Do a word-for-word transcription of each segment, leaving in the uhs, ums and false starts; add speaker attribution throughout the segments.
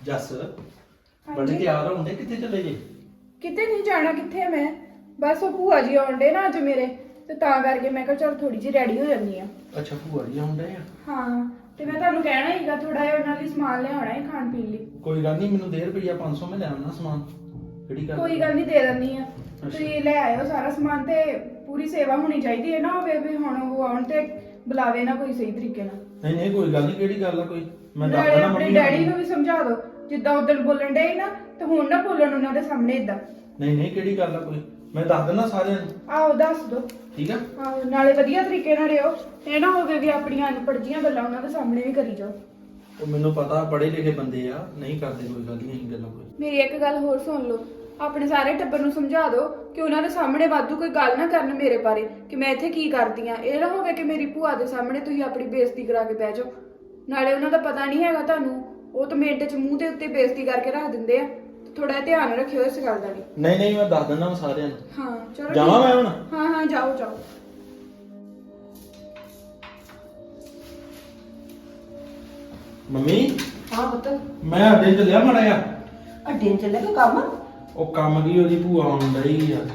Speaker 1: ਜੱਸ ਬੜੇ ਤਿਆਰ ਹੋਣ ਦੇ ਕਿੱਥੇ ਚੱਲੇ ਜੇ?
Speaker 2: ਕਿਤੇ ਨਹੀਂ ਜਾਣਾ। ਕਿੱਥੇ ਮੈਂ ਬਸ ਉਹ ਭੂਆ ਜੀ ਆਉਂਦੇ ਨਾ ਅੱਜ ਮੇਰੇ, ਤੇ ਤਾਂ ਕਰਕੇ ਮੈਂ ਕਿਹਾ ਚਲ ਥੋੜੀ ਜਿਹੀ ਰੈਡੀ ਹੋ ਜਾਂਦੀ ਆ।
Speaker 1: ਅੱਛਾ ਭੂਆ ਜੀ ਆਉਂਦੇ ਆ?
Speaker 2: ਹਾਂ ਤੇ ਮੈਂ ਤੁਹਾਨੂੰ ਕਹਿਣਾ ਹੀਗਾ ਥੋੜਾ ਜਿਹਾ ਉਹਨਾਂ ਲਈ ਸਮਾਨ ਲਿਆਉਣਾ ਹੈ ਖਾਣ ਪੀਣ ਲਈ।
Speaker 1: ਕੋਈ ਗੱਲ ਨਹੀਂ, ਮੈਨੂੰ ਦੇ ਰੁਪਈਆ ਪੰਜ ਸੌ ਮੈਂ ਲੈ ਆਉਣਾ ਸਮਾਨ। ਕਿਹੜੀ ਗੱਲ?
Speaker 2: ਕੋਈ ਗੱਲ ਨਹੀਂ, ਦੇ ਦਿੰਦੀ ਆ। ਤੁਸੀਂ ਲੈ ਆਇਓ ਸਾਰਾ ਸਮਾਨ, ਤੇ ਪੂਰੀ ਸੇਵਾ ਹੋਣੀ ਚਾਹੀਦੀ ਹੈ ਨਾ, ਹੋਵੇ ਵੀ ਹੁਣ ਉਹ ਆਉਣ ਤੇ ਬੁਲਾਵੇ ਨਾ ਕੋਈ ਸਹੀ ਤਰੀਕੇ ਨਾਲ।
Speaker 1: ਨਹੀਂ ਨਹੀਂ ਕੋਈ ਗੱਲ ਨਹੀਂ, ਕਿਹੜੀ ਗੱਲ ਆ ਕੋਈ? ਮੈਂ ਦੱਸ
Speaker 2: ਨਾਲੇ
Speaker 1: ਦੇਣਾ
Speaker 2: ਆਪਣੇ
Speaker 1: ਮੰਮੀ
Speaker 2: ਡੈਡੀ ਨੂੰ ਵੀ ਸਮਝਾ ਦਿਓ, ਜਿੱਦਾਂ ਉਦੋਂ ਬੋਲਣ ਡੇ ਨਾ ਤੇ ਹੁਣ ਨਾ ਬੋਲਣ ਉਹਨਾਂ ਦੇ ਸਾਹਮਣੇ ਇਦਾਂ।
Speaker 1: ਨਹੀਂ ਨਹੀਂ ਕਿਹੜੀ ਗੱਲ ਆ ਕੋਈ? ਮੈਂ ਦੱਸ ਦੇਣਾ ਸਾਰਿਆਂ ਨੂੰ।
Speaker 2: ਆਹੋ ਦੱਸ ਦਿਓ।
Speaker 1: ਠੀਕ ਆ?
Speaker 2: ਆਹੋ ਨਾਲੇ ਵਧੀਆ ਤਰੀਕੇ ਨਾਲ ਰਿਓ, ਇਹ ਨਾ ਹੋਵੇ ਵੀ ਆਪਣੀਆਂ ਅਨਪੜ੍ਹੀਆਂ ਗੱਲਾਂ ਉਹਨਾਂ ਦੇ ਸਾਹਮਣੇ ਵੀ ਕਰੀ ਜਾਓ।
Speaker 1: ਉਹ ਮੈਨੂੰ ਪਤਾ ਪੜ੍ਹੇ ਲਿਖੇ ਬੰਦੇ ਆ, ਨਹੀਂ ਕਰਦੇ ਕੋਈ ਗੱਲ ਨਹੀਂ ਗੱਲਾਂ ਕੋਈ।
Speaker 2: ਮੇਰੀ ਇੱਕ ਗੱਲ ਹੋਰ ਸੁਣ ਲਓ, ਆਪਣੇ ਸਾਰੇ ਟੱਬਰ ਨੂੰ ਸਮਝਾ ਦਿਓ ਕਿ ਉਹਨਾਂ ਦੇ ਸਾਹਮਣੇ ਵਾਧੂ ਕੋਈ ਗੱਲ ਨਾ ਕਰਨ ਮੇਰੇ ਬਾਰੇ ਕਿ ਮੈਂ ਇੱਥੇ ਕੀ ਕਰਦੀ ਆ। ਇਹ ਨਾ ਹੋਵੇ ਕਿ ਮੇਰੀ ਭੂਆ ਦੇ ਸਾਹਮਣੇ ਤੁਸੀਂ ਆਪਣੀ ਬੇਇੱਜ਼ਤੀ ਕਰਾ ਕੇ ਬਹਿ ਜਾਓ। ਨਾਲੇ ਉਹਨਾਂ ਦਾ ਪਤਾ ਨਹੀਂ ਹੈਗਾ ਤੁਹਾਨੂੰ, ਉਹ ਤਾਂ ਮਿੰਟ 'ਚ ਮੂੰਹ ਦੇ ਉੱਤੇ ਬੇਇੱਜ਼ਤੀ ਕਰਕੇ ਰੱਖ ਦਿੰਦੇ ਆ। ਥੋੜਾ ਧਿਆਨ ਰੱਖਿਓ ਇਸ ਗੱਲ ਦਾ ਵੀ।
Speaker 1: ਨਹੀਂ ਨਹੀਂ ਮੈਂ ਦੱਸ ਦਿੰਦਾ ਸਾਰਿਆਂ ਨੂੰ।
Speaker 2: ਹਾਂ ਚਲੋ
Speaker 1: ਜਾਵਾਂ ਮੈਂ ਹੁਣ?
Speaker 2: ਹਾਂ ਹਾਂ ਜਾਓ ਜਾਓ।
Speaker 1: ਮੰਮੀ
Speaker 3: ਹਾਂ ਪੁੱਤ,
Speaker 1: ਮੈਂ ਅੱਡੇ ਚੱਲਿਆ ਮਾੜਾ ਜਿਹਾ।
Speaker 3: ਅੱਡੇ ਨੂੰ ਚੱਲੇ ਕੋ ਕੰਮ?
Speaker 1: ਉਹ ਕੰਮ ਕੀ, ਉਹਦੀ ਭੂਆ ਆਉਣ ਡਈ ਆ।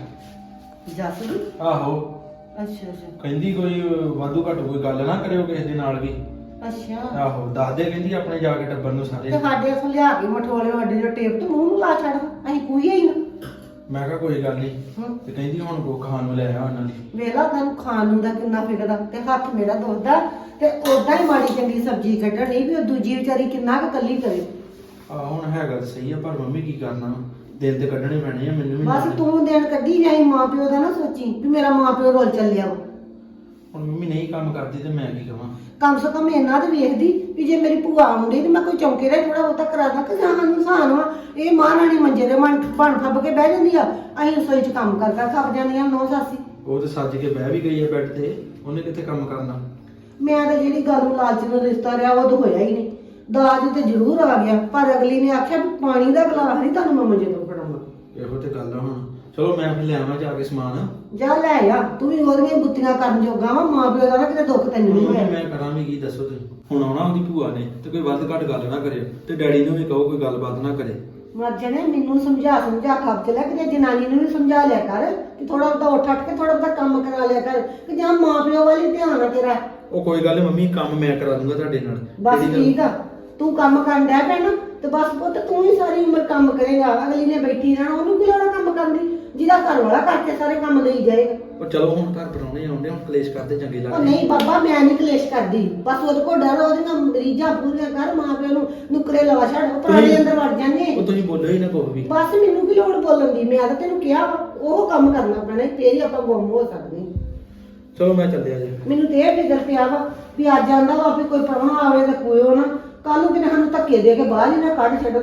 Speaker 3: ਜੱਸ ਦੀ?
Speaker 1: ਆਹੋ
Speaker 3: ਅੱਛਾ ਅੱਛਾ
Speaker 1: ਕਹਿੰਦੀ ਕੋਈ ਵਾਧੂ ਘੱਟ ਕੋਈ ਗੱਲ ਨਾ ਕਰਿਓ ਕਿਸੇ ਦੇ ਨਾਲ ਵੀ।
Speaker 3: ਅੱਛਾ।
Speaker 1: ਆਹੋ ਦੱਸ ਦੇ ਕਹਿੰਦੀ ਆਪਣੇ ਜਾ ਕੇ ਟੱਬਰ ਨੂੰ ਸਾਰੇ।
Speaker 3: ਤੇ ਸਾਡੇ ਅਸਾਂ ਲਿਆ ਕੇ ਮਠੋਲੇ ਅੱਡੇ ਦੇ ਟੇਪ ਤੇ ਮੂੰਹ ਨੂੰ ਲਾ ਛੱਡ, ਅਸੀਂ ਕੋਈ ਹੀ ਨਾ।
Speaker 1: ਮੈਂ ਕਿਹਾ ਕੋਈ ਗੱਲ ਨਹੀਂ।
Speaker 3: ਹੂੰ।
Speaker 1: ਤੇ ਕਹਿੰਦੀ ਹੁਣ ਕੋ ਖਾਣ ਨੂੰ ਲੈ ਆ ਉਹਨਾਂ ਲਈ।
Speaker 3: ਵੇਲਾ ਤੈਨੂੰ ਖਾਣ ਨੂੰ ਦਾ ਕਿੰਨਾ ਫਿਕਰ ਆ, ਤੇ ਹੱਥ ਮੇਰਾ ਦੁਖਦਾ ਤੇ ਉਦਾਂ ਹੀ ਮਾੜੀ ਚੰਗੀ ਸਬਜ਼ੀ ਕੱਢਣੀ ਵੀ ਉਹ ਦੂਜੀ ਵਿਚਾਰੀ ਕਿੰਨਾ ਕੁ ਕੱਲੀ ਕਰੇ।
Speaker 1: ਆ ਹੁਣ ਹੈਗਾ ਤਾਂ ਸਹੀ ਆ, ਪਰ ਮੰਮੀ ਕੀ ਕਰਨਾ, ਦਿਨ ਤੇ ਕੱਢਣੇ ਪੈਣੇ ਆ ਮੈਨੂੰ ਵੀ।
Speaker 3: ਬਸ
Speaker 1: ਨਾਲ।
Speaker 3: ਤੂੰ ਦਿਨ ਕੱਢੀ ਜਾਈ, ਮਾਂ ਪਿਓ ਦਾ ਨਾ ਸੋਚੀ ਵੀ ਮੇਰਾ ਮਾਂ ਪਿਓ ਰੋਲ ਚੱਲਿਆ ਵਾ।
Speaker 1: ਹੁਣ ਮੰਮੀ ਨਹੀਂ ਕੰਮ ਕਰਦੀ ਤੇ ਮੈਂ ਕੀ ਕਵਾਂ?
Speaker 3: ਕਮ ਸੇ ਕਮ ਇਹਨਾਂ ਤੇ ਵੇਖਦੀ ਵੀ ਜੇ ਮੇਰੀ ਭੂਆ ਆਉਂਦੀ ਤੇ ਮੈਂ ਕੋਈ ਚੌਂਕੇ ਦਾ ਥੋੜਾ ਬਹੁਤਾ ਕਰਾ ਦਾਂ ਕਿ ਜਾਂ ਸਾਨੂੰ ਸਾਨ ਵਾ। ਇਹ ਮਾਂ ਰਾਣੀ ਮੰਜੇ ਦੇ ਮਨ ਬਣ ਫੱਬ ਕੇ ਬਹਿ ਜਾਂਦੀ ਆ, ਅਸੀਂ ਰਸੋਈ 'ਚ ਕੰਮ ਕਰ ਕਰ ਥੱਕ ਜਾਂਦੀਆਂ ਨੌ ਸਾਸੀ।
Speaker 1: ਉਹ ਤੇ ਸੱਜ ਕੇ ਬਹਿ ਵੀ ਗਈ ਆ ਬੈੱਡ ਤੇ, ਉਹਨੇ ਕਿੱਥੇ ਕੰਮ ਕਰਨਾ।
Speaker 3: ਮੈਂ ਤਾਂ ਜਿਹੜੀ ਗੱਲ ਨੂੰ ਲਾਲਚ ਨਾਲ ਰਿਸ਼ਤਾ ਰਿਹਾ ਉਹ ਤਾਂ ਹੋਇਆ ਹੀ ਨਹੀਂ। ਦਾਜ ਤੇ ਜ਼ਰੂਰ ਆ ਗਿਆ, ਪਰ ਅਗਲੀ ਨੇ ਆਖਿਆ ਵੀ ਪਾਣੀ ਦਾ ਗਲਾਸ ਨਹੀਂ ਤੁਹਾਨੂੰ ਮੈਂ ਮੰਜੇ ਤੋਂ ਫੜਾਉਣਾ।
Speaker 1: ਇਹੋ ਤੇ ਗੱਲ ਆ ਹੁਣ। ਚਲੋ ਮੈਂ ਫਿਰ ਲਿਆਵਾਂ ਜਾ ਕੇ ਸਮਾਨ।
Speaker 3: ਜਾ ਲੈ ਆ, ਤੂੰ ਵੀ ਉਹਦੀਆਂ ਗੁੱਤੀਆਂ ਕਰਨ ਜੋਗਾ ਵਾ, ਮਾਂ ਪਿਓ ਦਾ ਨਾ ਕਿਤੇ ਦੁੱਖ ਤੈਨੂੰ ਨਹੀਂ ਹੋਇਆ।
Speaker 1: ਮੈਂ ਕਰਾਂ ਵੀ ਕੀ ਦੱਸੋ ਤੁਸੀਂ? ਹੁਣ ਆਉਣਾ ਉਹਦੀ ਭੂਆ ਨੇ ਤੇ ਕੋਈ ਵੱਧ ਘੱਟ ਗੱਲ ਨਾ ਕਰਿਓ, ਤੇ ਡੈਡੀ ਨੂੰ ਵੀ ਕਹੋ ਕੋਈ ਗੱਲਬਾਤ ਨਾ ਕਰੇ।
Speaker 3: ਮਰ ਜਾਣੇ, ਮੈਨੂੰ ਸਮਝਾ ਸਮਝਾ ਖੱਪ ਚ ਲੈ ਕੇ ਜਨਾਨੀ ਨੂੰ ਵੀ ਸਮਝਾ ਲਿਆ ਕਰ ਕਿ ਥੋੜਾ ਬਹੁਤਾ ਉੱਠ ਉੱਠ ਕੇ ਥੋੜਾ ਬਹੁਤਾ ਕੰਮ ਕਰਾ ਲਿਆ ਕਰ, ਕਿ ਜਾਂ ਮਾਂ ਪਿਓ ਵਾਲੀ ਧਿਆਨ ਆ ਤੇਰਾ।
Speaker 1: ਉਹ ਕੋਈ ਗੱਲ ਨੀ ਮੰਮੀ, ਕੰਮ ਮੈਂ ਕਰਾ ਦੂੰਗਾ ਤੁਹਾਡੇ ਨਾਲ।
Speaker 3: ਬਸ
Speaker 1: ਜਿਹੜੀ ਗੱਲ-
Speaker 3: ਠੀਕ ਆ, ਤੂੰ ਕੰਮ ਕਰਨ ਡਿਆ ਪਿਆ ਨਾ ਤੇ ਬਸ ਪੁੱਤ ਤੂੰ ਹੀ ਸਾਰੀ ਉਮਰ ਕੰਮ ਕਰੇਗਾ। ਅਗਲੀ ਨੇ ਬੈਠੀ ਰਹਿਣਾ, ਉਹਨੂੰ ਕੀ ਲੋੜ ਆ ਕੰਮ ਕਰਨ ਦੀ, ਜਿਹਦਾ ਘਰ ਵਾਲਾ ਕਰਕੇ ਸਾਰੇ ਕੰਮ ਲਈ ਜਾਏਗਾ।
Speaker 1: ਉਹ ਚਲੋ ਹੁਣ ਘਰ ਪਰਾਉਣੇ ਆਉਂਦੇ, ਹੁਣ ਕਲੇਸ਼ ਕਰਦੇ ਚੰਗੇ
Speaker 3: ਉਹ
Speaker 1: ਲੱਗਦੇ।
Speaker 3: ਨਹੀਂ ਬਾਬਾ, ਮੈਂ ਨਹੀਂ ਕਲੇਸ਼ ਕਰਦੀ, ਬਸ ਉਹਦੇ ਕੋਲ ਡਰ, ਉਹਦੀਆਂ ਮਰੀਜ਼ਾਂ ਪੂਰੀਆਂ ਕਰ, ਮਾਂ ਪਿਓ ਨੂੰ ਨੁਕਰੇ ਲਵਾ ਛੱਡ, ਉਹ ਪੁਰਾਣੇ ਅੰਦਰ ਵੜ ਜਾਂਦੇ।
Speaker 1: ਉਹ ਤੁਸੀਂ ਬੋਲੋ ਹੀ ਨਾ ਕੋਈ ਵੀ।
Speaker 3: ਬਸ ਮੈਨੂੰ ਕੀ ਲੋੜ ਬੋਲਣ ਦੀ, ਮੈਂ ਤਾਂ ਤੈਨੂੰ ਕਿਹਾ ਵਾ, ਉਹ ਕੰਮ ਕਰਨਾ ਪੈਣਾ, ਫੇਰ ਹੀ ਆਪਾਂ ਗੁੰਮ ਹੋ ਸਕਦੇ।
Speaker 1: ਚਲੋ ਮੈਂ ਚੱਲਿਆ ਜੀ।
Speaker 3: ਮੈਨੂੰ ਤੇ ਇਹ ਫਿਕਰ ਪਿਆ ਵਾ ਵੀ ਅੱਜ ਆਂਦਾ ਵਾ ਵੀ ਕੋਈ ਪ੍ਰਾਹੁਣਾ ਆਵੇ ਤਾਂ ਕੋਇਓ ਨਾ, ਕੱਲ ਨੂੰ ਕਿਤੇ ਸਾਨੂੰ ਧੱਕੇ ਦੇ ਕੇ ਬਾਹਰ ਹੀ ਨਾ ਕੱਢ ਛੱਡ।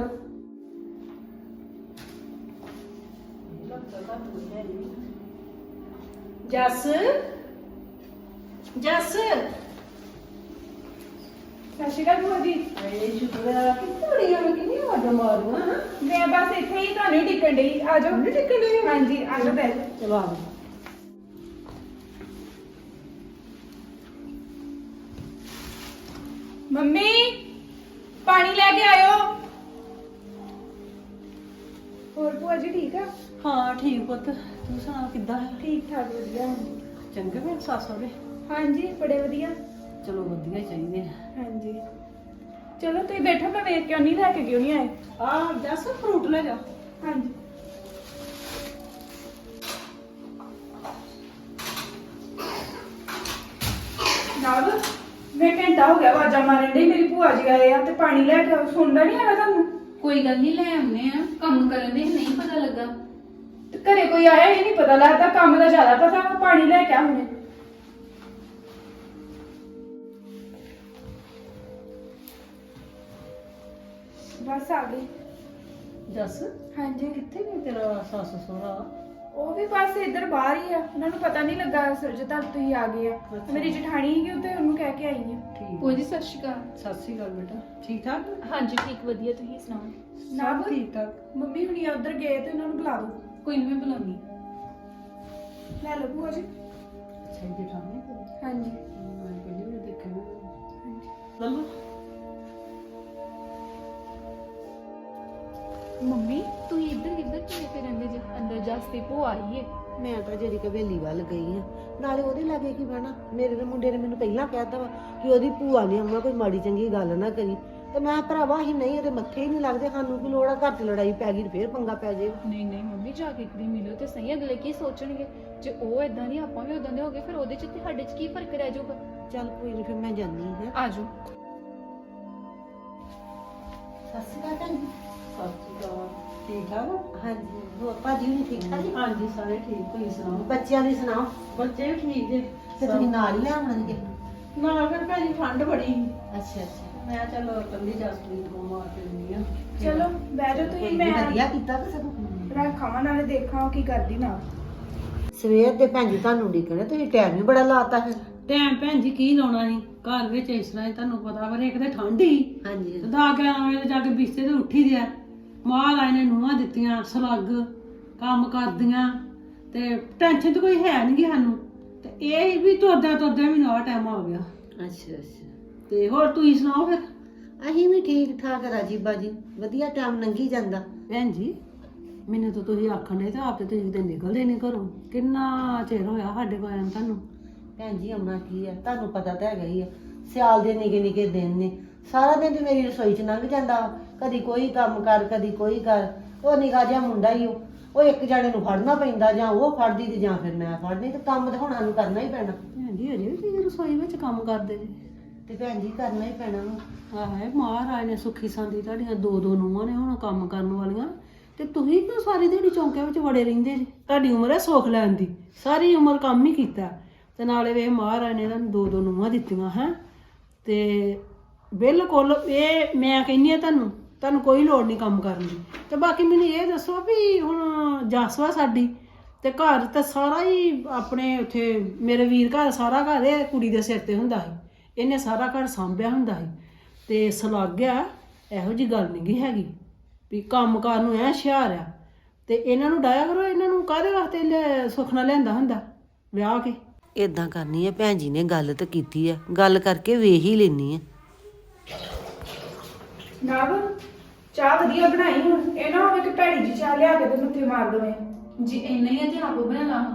Speaker 2: ਜੱਸ ਜੱਸ ਸਤਿ ਸ਼੍ਰੀ ਅਕਾਲ ਭੂਆ ਜੀ।
Speaker 3: ਏ ਸ਼ੁਕਰ ਆ, ਕਿੱਥੇ ਬੜੀਆਂ ਮੈਂ ਕਿੰਨੀ ਵਾਰ ਮਾਰੂਆਂ ਹਾਂ।
Speaker 2: ਮੈਂ ਬਸ ਇੱਥੇ ਹੀ ਤੁਹਾਨੂੰ ਹੀ ਟਿਕਣ ਡਈ। ਆ ਜਾਓ।
Speaker 3: ਨਹੀਂ ਟਿਕਣ ਡਈ?
Speaker 2: ਹਾਂਜੀ ਆ ਜਾਓ ਬੈਠ।
Speaker 3: ਚਲੋ ਆ
Speaker 2: ਮੰਮੀ ਪਾਣੀ ਲੈ ਕੇ ਆਇਓ। ਹੋਰ ਭੂਆ ਜੀ ਠੀਕ ਆ?
Speaker 3: ਹਾਂ ਠੀਕ ਪੁੱਤ, ਤੂੰ ਸੁਣਾ ਕਿੱਦਾਂ ਹੈ?
Speaker 2: ਠੀਕ ਠਾਕ ਵਧੀਆ।
Speaker 3: ਚੰਗੇ ਮੇਰੇ ਸੱਸ ਸਹੁਰੇ?
Speaker 2: ਹਾਂਜੀ ਬੜੇ ਵਧੀਆ।
Speaker 3: ਚਲੋ ਵਧੀਆ ਹੀ ਚਾਹੀਦੇ ਆ।
Speaker 2: ਹਾਂਜੀ ਚਲੋ ਤੁਸੀਂ ਬੈਠੋ, ਮੈਂ ਵੇਖ ਕਿਉਂ ਨਹੀਂ ਲੈ ਕੇ ਕਿਉਂ ਨਹੀਂ ਆਏ।
Speaker 3: ਆ ਜੱਸ ਫਰੂਟ ਲੈ ਜਾ।
Speaker 2: ਹਾਂਜੀ ਨਾਬ ਮੈਂ ਘੰਟਾ ਹੋ ਗਿਆ ਆਵਾਜ਼ਾਂ ਮਾਰਨ ਡਈ, ਮੇਰੀ ਭੂਆ ਜੀ ਆਏ ਆ ਤੇ ਪਾਣੀ ਲੈ ਕੇ ਆਓ। ਸੁਣਦਾ ਨਹੀਂ ਹੈਗਾ ਤੁਹਾਨੂੰ?
Speaker 4: ਕੋਈ ਗੱਲ ਨਹੀਂ, ਲੈ ਆਉਨੇ ਆ। ਕੰਮ ਕਰਨ ਦੇ ਨਹੀਂ ਪਤਾ ਲੱਗਾ।
Speaker 2: ਤੇ ਘਰੇ ਕੋਈ ਆਇਆ ਇਹ ਨਹੀਂ ਪਤਾ ਲੱਗਦਾ, ਕੰਮ ਦਾ ਜ਼ਿਆਦਾ ਪਤਾ ਵਾ। ਪਾਣੀ ਲੈ ਕੇ ਆ ਹੁਣੇ। ਬਸ ਆ ਗਈ।
Speaker 3: ਜੱਸ
Speaker 2: ਹਾਂਜੀ
Speaker 3: ਕਿੱਥੇ ਨੇ ਤੇਰਾ ਸੱਸ ਸਹੁਰਾ?
Speaker 2: ਉਹ ਵੀ ਬਸ ਇੱਧਰ ਬਾਹਰ ਹੀ ਆ, ਉਹਨਾਂ ਨੂੰ ਪਤਾ ਨਹੀਂ ਲੱਗਾ ਸਰਜਤਾ ਤੁਸੀਂ ਆ ਗਏ ਆ। ਮੇਰੀ ਜਠਾਣੀ ਸੀਗੀ ਉੱਤੇ, ਉਹਨੂੰ ਕਹਿ ਕੇ ਆਈ ਆ।
Speaker 3: ਠੀਕ।
Speaker 4: ਕੋਈ ਜੀ, ਸਤਿ ਸ਼੍ਰੀ ਅਕਾਲ।
Speaker 3: ਸਤਿ ਸ਼੍ਰੀ ਅਕਾਲ ਬੇਟਾ, ਠੀਕ ਠਾਕ?
Speaker 4: ਹਾਂਜੀ ਠੀਕ ਵਧੀਆ, ਤੁਸੀਂ ਸੁਣਾਓ?
Speaker 3: ਸਭ ਠੀਕ ਠਾਕ।
Speaker 2: ਮੰਮੀ ਹੁਣੀ ਉੱਧਰ ਗਏ ਤੇ ਉਹਨਾਂ ਨੂੰ ਬੁਲਾ ਦਿਓ।
Speaker 4: ਕੋਈ ਨਹੀਂ, ਮੈਂ ਬੁਲਾਉਣੀ।
Speaker 2: ਲੈ ਲਓ ਭੂਆ ਜੀ।
Speaker 3: ਅੱਛਾ ਜੀ, ਠਾਣੇ ਕੋਲ?
Speaker 2: ਹਾਂਜੀ
Speaker 3: ਮੈਂ ਕਹਿੰਦੀ ਮੈਂ ਦੇਖਿਆ।
Speaker 2: ਹਾਂਜੀ
Speaker 3: ਲੱਲੋ
Speaker 2: ਅੰਦਰ ਜਸਤੀ ਭੂਆ ਆਈ ਏ।
Speaker 3: ਮੈਂ ਤਾਂ ਜਿਹੜੀ ਕਵੇਲੀ ਵੱਲ ਗਈ ਆ, ਨਾਲੇ ਉਹਦੇ ਲਾਗੇ ਕੀ ਬਹਿਣਾ। ਮੇਰੇ ਦੇ ਮੁੰਡੇ ਨੇ ਮੈਨੂੰ ਪਹਿਲਾਂ ਕਹਿਤਾ ਵਾ ਕਿ ਉਹਦੀ ਭੂਆ ਨੇ ਆਉਣਾ, ਕੋਈ ਮਾੜੀ ਚੰਗੀ ਗੱਲ ਨਾ ਕਰੀ। ਤੇ ਮੈਂ ਭਰਾਵਾ ਹੀ ਨਹੀਂ, ਉਹਦੇ ਮੱਥੇ ਹੀ ਨਹੀਂ ਲੱਗਦੇ। ਸਾਨੂੰ ਕੀ ਲੋੜ ਆ, ਘਰ 'ਚ ਲੜਾਈ ਪੈ ਗਈ ਫੇਰ ਪੰਗਾ ਪੈ ਜਾਏਗਾ।
Speaker 2: ਨਹੀਂ ਨਹੀਂ ਮੰਮੀ, ਜਾ ਕੇ ਇੱਕ ਦਿਨ ਮਿਲੋ ਤੇ ਸਹੀ, ਅਗਲੇ ਕੀ ਸੋਚਣਗੇ। ਜੇ ਉਹ ਇਦਾਂ ਨਹੀਂ ਆਪਾਂ ਵੀ ਉਦਾਂ ਦੇ ਹੋਗੇ, ਫਿਰ ਉਹਦੇ ਚ ਤੇ ਸਾਡੇ ਚ ਕੀ ਫਰਕ ਰਹਿ ਜਾਊਗਾ।
Speaker 3: ਚੱਲ ਕੋਈ ਨਹੀਂ, ਫਿਰ ਮੈਂ ਜਾਨੀ ਹਾਂ।
Speaker 2: ਆਜੋ।
Speaker 3: ਸਤਿ ਸ਼੍ਰੀ ਅਕਾਲ ਭੈਣ ਜੀ।
Speaker 5: ਸਤਿ ਸ਼੍ਰੀ ਅਕਾਲ। ਠੀਕ ਠਾਕ?
Speaker 3: ਹਾਂਜੀ, ਹੋਰ ਭਾਜੀ ਵੀ ਠੀਕ ਠਾਕ ਜੀ?
Speaker 5: ਹਾਂਜੀ ਸਾਰੇ ਠੀਕ। ਤੁਸੀਂ ਸੁਣਾਓ?
Speaker 3: ਬੱਚਿਆਂ ਦੀ ਸੁਣਾਓ।
Speaker 5: ਬੱਚੇ ਵੀ ਠੀਕ ਜੇ।
Speaker 3: ਤੇ ਤੁਸੀਂ ਨਾਲ ਹੀ ਲੈ ਆਉਣਗੇ?
Speaker 5: ਨਾ ਫਿਰ ਭੈਣੀ ਠੰਡ ਬੜੀ ਸੀ।
Speaker 3: ਅੱਛਾ ਅੱਛਾ,
Speaker 5: ਮੈਂ ਚਲੋ ਕੱਲੀ ਜਸਪ੍ਰੀਤ ਨੂੰ ਮਾਰ ਕੇ ਦਿੰਦੀ ਆ।
Speaker 2: ਚਲੋ ਬਹਿ ਜਾਓ ਤੁਸੀਂ, ਮੈਂ
Speaker 3: ਵਧੀਆ ਕੀਤਾ ਕਿ ਸਗੋਂ।
Speaker 2: ਰੱਖਾਂ ਨਾਲੇ ਦੇਖਾਂ ਉਹ ਕੀ ਕਰਦੀ ਨਾ।
Speaker 3: ਸਵੇਰ ਦੇ ਭੈਣ ਜੀ ਤੁਹਾਨੂੰ ਉਡੀਕਣਾ, ਤੁਸੀਂ ਟਾਈਮ ਵੀ ਬੜਾ ਲਾਤਾ ਫਿਰ।
Speaker 5: ਟਾਈਮ ਭੈਣ ਜੀ ਕੀ ਲਾਉਣਾ ਸੀ ਘਰ ਵਿੱਚ, ਇਸ ਤਰ੍ਹਾਂ ਹੀ ਤੁਹਾਨੂੰ ਪਤਾ ਵਾ, ਇੱਕ ਤੇ ਠੰਡ ਹੀ
Speaker 3: ਹਾਂਜੀ
Speaker 5: ਦਾ ਗਿਆਰਾਂ ਵਜੇ ਜਾ ਕੇ ਬਿਸਤੇ ਤੇ ਉੱਠੀ ਦਿਆ। ਮਹਾਰਾਜ ਨੇ ਨੂੰਹਾਂ ਦਿੱਤੀਆਂ, ਸਲੱਗ ਕੰਮ ਕਰਦੀਆਂ, ਤੇ ਟੈਨਸ਼ਨ ਤਾਂ ਕੋਈ ਹੈ ਨਹੀਂ ਸਾਨੂੰ। ਤੇ ਇਹ ਵੀ ਤੁਰਦਾ ਤੁਰਦਾ ਮੈਨੂੰ ਆਹ ਟਾਈਮ ਆ ਗਿਆ।
Speaker 3: ਅੱਛਾ ਅੱਛਾ,
Speaker 5: ਤੇ ਹੋਰ ਤੁਸੀਂ ਸੁਣਾਓ ਫਿਰ?
Speaker 3: ਅਸੀਂ ਵੀ ਠੀਕ ਠਾਕ ਰਾਜੀ ਬਾਜੀ, ਵਧੀਆ ਟਾਈਮ ਲੰਘੀ ਜਾਂਦਾ।
Speaker 5: ਭੈਣ ਜੀ ਮੈਨੂੰ ਤਾਂ ਤੁਸੀਂ ਆਖਣ ਦੇ ਤੇ ਆਪ ਤੇ ਤੁਸੀਂ ਤੇ ਨਿਕਲਦੇ ਨਹੀਂ ਘਰੋਂ। ਕਿੰਨਾ ਚਿਰ ਹੋਇਆ ਸਾਡੇ ਕੋਲ ਆਇਆ ਨੂੰ ਤੁਹਾਨੂੰ।
Speaker 3: ਭੈਣ ਜੀ ਆਉਣਾ ਕੀ ਹੈ, ਤੁਹਾਨੂੰ ਪਤਾ ਤਾਂ ਹੈਗਾ ਹੀ ਆ, ਸਿਆਲ ਦੇ ਨਿੱਕੇ ਨਿੱਕੇ ਦਿਨ ਨੇ। ਸਾਰਾ ਦਿਨ ਤੇ ਮੇਰੀ ਰਸੋਈ 'ਚ ਲੰਘ ਜਾਂਦਾ, ਕਦੀ ਕੋਈ ਕੰਮ ਕਰ ਕਦੀ ਕੋਈ ਕਰ। ਉਹ ਨਿੱਕਾ ਜਿਹਾ ਮੁੰਡਾ ਹੀ ਉਹ ਉਹ ਇੱਕ ਜਾਣੇ ਨੂੰ ਫੜਨਾ ਪੈਂਦਾ, ਜਾਂ ਉਹ ਫੜਦੀ ਤੇ ਜਾਂ ਫਿਰ ਮੈਂ ਫੜਨੀ। ਤੇ ਕੰਮ ਤਾਂ ਹੁਣ ਸਾਨੂੰ ਕਰਨਾ ਹੀ ਪੈਣਾ।
Speaker 5: ਭੈਣ ਜੀ ਅਜੇ ਵੀ ਤੁਸੀਂ ਰਸੋਈ ਵਿੱਚ ਕੰਮ ਕਰਦੇ ਜੀ?
Speaker 3: ਤੇ ਭੈਣ ਜੀ ਕਰਨਾ ਹੀ ਪੈਣਾ ਵਾ।
Speaker 5: ਆਹੇ ਮਹਾਰਾਜ ਨੇ ਸੁੱਖੀ ਸੰਦੀ ਤੁਹਾਡੀਆਂ ਦੋ ਦੋ ਨੂੰਹਾਂ ਨੇ ਹੁਣ ਕੰਮ ਕਰਨ ਵਾਲੀਆਂ, ਤੇ ਤੁਸੀਂ ਕਿਉਂ ਸਾਰੀ ਦਿਹਾੜੀ ਚੌਂਕਿਆਂ ਵਿੱਚ ਵੜੇ ਰਹਿੰਦੇ ਜੀ? ਤੁਹਾਡੀ ਉਮਰ ਹੈ ਸੁੱਖ ਲੈਣ ਦੀ, ਸਾਰੀ ਉਮਰ ਕੰਮ ਹੀ ਕੀਤਾ। ਤੇ ਨਾਲੇ ਵੇ ਮਹਾਰਾਜ ਨੇ ਤੁਹਾਨੂੰ ਦੋ ਦੋ ਨੂੰਹਾਂ ਦਿੱਤੀਆਂ ਹੈ। ਤੇ ਬਿਲਕੁਲ ਇਹ ਮੈਂ ਕਹਿੰਦੀ ਆ ਤੁਹਾਨੂੰ ਤੁਹਾਨੂੰ ਕੋਈ ਲੋੜ ਨਹੀਂ ਕੰਮ ਕਰਨ ਦੀ। ਤੇ ਬਾਕੀ ਮੈਨੂੰ ਇਹ ਦੱਸੋ ਵੀ ਹੁਣ ਜਸਵਾ ਸਾਡੀ ਤੇ ਘਰ ਤਾਂ ਸਾਰਾ ਹੀ ਆਪਣੇ ਉੱਥੇ ਮੇਰੇ ਵੀਰ ਘਰ, ਸਾਰਾ ਘਰ ਇਹ ਕੁੜੀ ਦੇ ਸਿਰ ਤੇ ਹੁੰਦਾ ਸੀ। ਇਹਨੇ ਸਾਰਾ ਘਰ ਸਾਂਭਿਆ ਹੁੰਦਾ ਸੀ। ਤੇ ਸਲਾਗਿਆ ਇਹੋ ਜੀ ਗੱਲ ਨਹੀਂ ਗੀ ਹੈਗੀ ਵੀ ਕੰਮ ਕਾਰ ਨੂੰ ਐ ਹੁਸ਼ਿਆਰ ਆ। ਤੇ ਇਹਨਾਂ ਨੂੰ ਡਾਇਆ ਕਰੋ, ਇਹਨਾਂ ਨੂੰ ਕਾਹਦੇ ਵਾਸਤੇ ਲਿਆ- ਸੁਖਣਾ ਲਿਆਂਦਾ ਹੁੰਦਾ ਵਿਆਹ ਕੇ।
Speaker 3: ਇਦਾਂ ਕਰਨੀ ਹੈ, ਭੈਣ ਜੀ ਨੇ ਗੱਲ ਤਾਂ ਕੀਤੀ ਹੈ, ਗੱਲ ਕਰਕੇ ਵੇਖ ਹੀ ਲੈਣੀ ਹੈ।
Speaker 2: ਨਾਬ ਚਾਹ ਵਧੀਆ ਬਣਾਈ, ਹੁਣ ਇਹ ਨਾ ਹੋਵੇ ਕਿ ਭੈੜੀ ਜੀ ਚਾਹ ਲਿਆ ਕੇ ਤੇ ਮੱਥੇ ਮਾਰ ਦਵੇਂ।
Speaker 4: ਜੀ ਇੰਨਾ ਹੀ ਆ ਤੇ ਆਪ ਬਣਾ ਲਾ।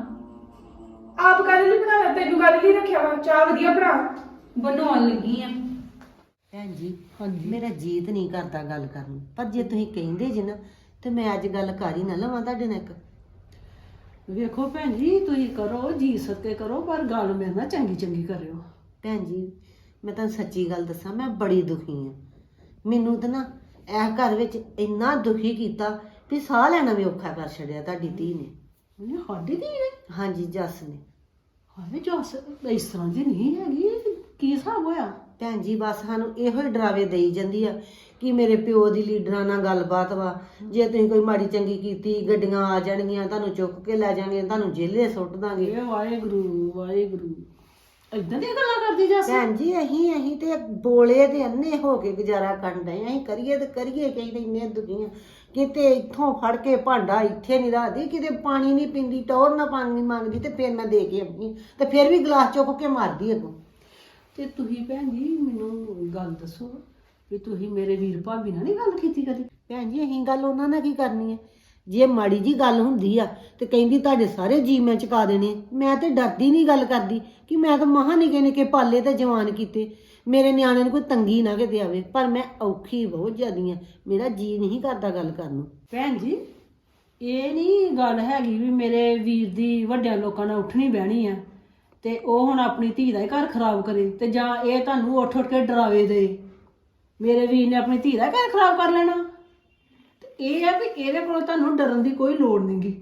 Speaker 2: ਆਪ ਕਾਹਦੇ ਲਈ ਬਣਾ ਲਿਆ, ਤੈਨੂੰ ਕਾਹਦੇ ਲਈ ਰੱਖਿਆ ਵਾ? ਚਾਹ ਵਧੀਆ ਬਣਾ।
Speaker 4: ਬਣਾਉਣ ਲੱਗੀ ਆ।
Speaker 3: ਭੈਣ ਜੀ ਮੇਰਾ ਜੀਤ ਨਹੀਂ ਕਰਦਾ ਗੱਲ ਕਰਨ ਨੂੰ, ਪਰ ਜੇ ਤੁਸੀਂ ਕਹਿੰਦੇ ਜੇ ਨਾ ਤੇ ਮੈਂ ਅੱਜ ਗੱਲ ਕਰ ਹੀ ਨਾ ਲਵਾਂ ਤੁਹਾਡੇ ਨਾਲ ਇੱਕ।
Speaker 5: ਵੇਖੋ ਭੈਣ ਜੀ ਤੁਸੀਂ ਕਰੋ ਜੀ ਸੱਤੇ ਕਰੋ, ਪਰ ਗੱਲ ਮੇਰੇ ਨਾਲ ਚੰਗੀ ਚੰਗੀ ਕਰਿਓ।
Speaker 3: ਭੈਣ ਜੀ ਮੈਂ ਤੁਹਾਨੂੰ ਸੱਚੀ ਗੱਲ ਦੱਸਾਂ, ਮੈਂ ਬੜੀ ਦੁਖੀ ਹਾਂ। ਮੈਨੂੰ ਤਾਂ ਨਾ ਇਹ ਘਰ ਵਿੱਚ ਇੰਨਾ ਦੁਖੀ ਕੀਤਾ ਵੀ ਸਾਹ ਲੈਣਾ ਵੀ ਔਖਾ ਕਰ ਛੱਡਿਆ ਤੁਹਾਡੀ ਧੀ ਨੇ।
Speaker 5: ਉਹਨੇ ਸਾਡੀ ਧੀ ਨੇ?
Speaker 3: ਹਾਂਜੀ ਜੱਸ ਨੇ।
Speaker 5: ਹਾਏ ਜੱਸ ਇਸ ਤਰ੍ਹਾਂ ਦੀ ਨਹੀਂ ਹੈਗੀ, ਕੀ ਹਿਸਾਬ ਹੋਇਆ?
Speaker 3: ਭੈਣ ਜੀ ਬਸ ਸਾਨੂੰ ਇਹੋ ਹੀ ਡਰਾਵੇ ਦੇਈ ਜਾਂਦੀ ਆ ਕਿ ਮੇਰੇ ਪਿਓ ਦੀ ਲੀਡਰਾਂ ਨਾਲ ਗੱਲਬਾਤ ਵਾ, ਜੇ ਤੁਸੀਂ ਕੋਈ ਮਾੜੀ ਚੰਗੀ ਕੀਤੀ ਗੱਡੀਆਂ ਆ ਜਾਣਗੀਆਂ, ਤੁਹਾਨੂੰ ਚੁੱਕ ਕੇ ਲੈ ਜਾਣਗੀਆਂ, ਤੁਹਾਨੂੰ ਜੇਲੇ ਸੁੱਟ ਦਾਂਗੇ।
Speaker 5: ਇਹ ਵਾਹਿਗੁਰੂ ਵਾਹਿਗੁਰੂ ਇਦਾਂ ਦੀਆਂ ਗੱਲਾਂ ਕਰਦੀ ਜੱਸ?
Speaker 3: ਭੈਣ ਜੀ ਅਸੀਂ ਅਸੀਂ ਤੇ ਬੋਲੇ ਤੇ ਅੰਨੇ ਹੋ ਕੇ ਗੁਜ਼ਾਰਾ ਕਰਨ ਡਏ, ਅਸੀਂ ਕਰੀਏ ਤੇ ਕਰੀਏ ਕਹਿੰਦੇ ਇੰਨੇ ਦੁਖੀਆਂ। ਕਿਤੇ ਇੱਥੋਂ ਫੜ ਕੇ ਭਾਂਡਾ ਇੱਥੇ ਨਹੀਂ ਰੱਖਦੀ, ਕਿਤੇ ਪਾਣੀ ਨਹੀਂ ਪੀਂਦੀ, ਟੌਰ ਨਾ ਪਾਣੀ ਮੰਗਦੀ, ਤੇ ਫਿਰ ਮੈਂ ਦੇ ਕੇ ਆਉਂਦੀ ਤੇ ਫਿਰ ਵੀ ਗਲਾਸ ਚੁੱਕ ਕੇ ਮਾਰਦੀ ਅੱਗੋਂ।
Speaker 5: ਤੇ ਤੁਸੀਂ ਭੈਣ ਜੀ ਮੈਨੂੰ ਗੱਲ ਦੱਸੋ ਵੀ ਤੁਸੀਂ ਮੇਰੇ ਵੀਰ ਭਾਬੀ ਨਾਲ ਨਹੀਂ ਗੱਲ ਕੀਤੀ ਕਦੀ?
Speaker 3: ਭੈਣ ਜੀ ਅਸੀਂ ਗੱਲ ਉਹਨਾਂ ਨਾਲ ਕੀ ਕਰਨੀ ਹੈ? ਜੇ ਮਾੜੀ ਜੀ ਗੱਲ ਹੁੰਦੀ ਆ ਤੇ ਕਹਿੰਦੀ ਤੁਹਾਡੇ ਸਾਰੇ ਜੀ ਮੈਂ ਚੁਕਾ ਦੇਣੇ। ਮੈਂ ਤੇ ਡਰਦੀ ਨਹੀਂ ਗੱਲ ਕਰਦੀ ਕਿ ਮੈਂ ਤਾਂ ਮਹਾਂ ਨਿੱਕੇ ਨਿੱਕੇ ਪਾਲੇ ਤੇ ਜਵਾਨ ਕੀਤੇ, ਮੇਰੇ ਨਿਆਣੇ ਨੂੰ ਕੋਈ ਤੰਗੀ ਨਾ ਕਿਤੇ ਆਵੇ, ਪਰ ਮੈਂ ਔਖੀ ਬਹੁਤ ਜ਼ਿਆਦੀ ਆ, ਮੇਰਾ ਜੀ ਨਹੀਂ ਕਰਦਾ ਗੱਲ ਕਰਨ ਨੂੰ।
Speaker 5: ਭੈਣ ਜੀ ਇਹ ਨਹੀਂ ਗੱਲ ਹੈਗੀ ਵੀ ਮੇਰੇ ਵੀਰ ਦੀ ਵੱਡਿਆਂ ਲੋਕਾਂ ਨਾਲ ਉੱਠਣੀ ਬਹਿਣੀ ਆ ਤੇ ਉਹ ਹੁਣ ਆਪਣੀ ਧੀ ਦਾ ਹੀ ਘਰ ਖਰਾਬ ਕਰੇ, ਤੇ ਜਾਂ ਇਹ ਤੁਹਾਨੂੰ ਉੱਠ ਉੱਠ ਕੇ ਡਰਾਵੇ ਦੇ ਮੇਰੇ ਵੀਰ ਨੇ ਆਪਣੀ ਧੀ ਦਾ ਘਰ ਖਰਾਬ ਕਰ ਲੈਣਾ। ਤੇ ਇਹ ਆ ਵੀ ਇਹਦੇ ਕੋਲ ਤੁਹਾਨੂੰ ਡਰਨ ਦੀ ਕੋਈ ਲੋੜ ਨਹੀਂਗੀ।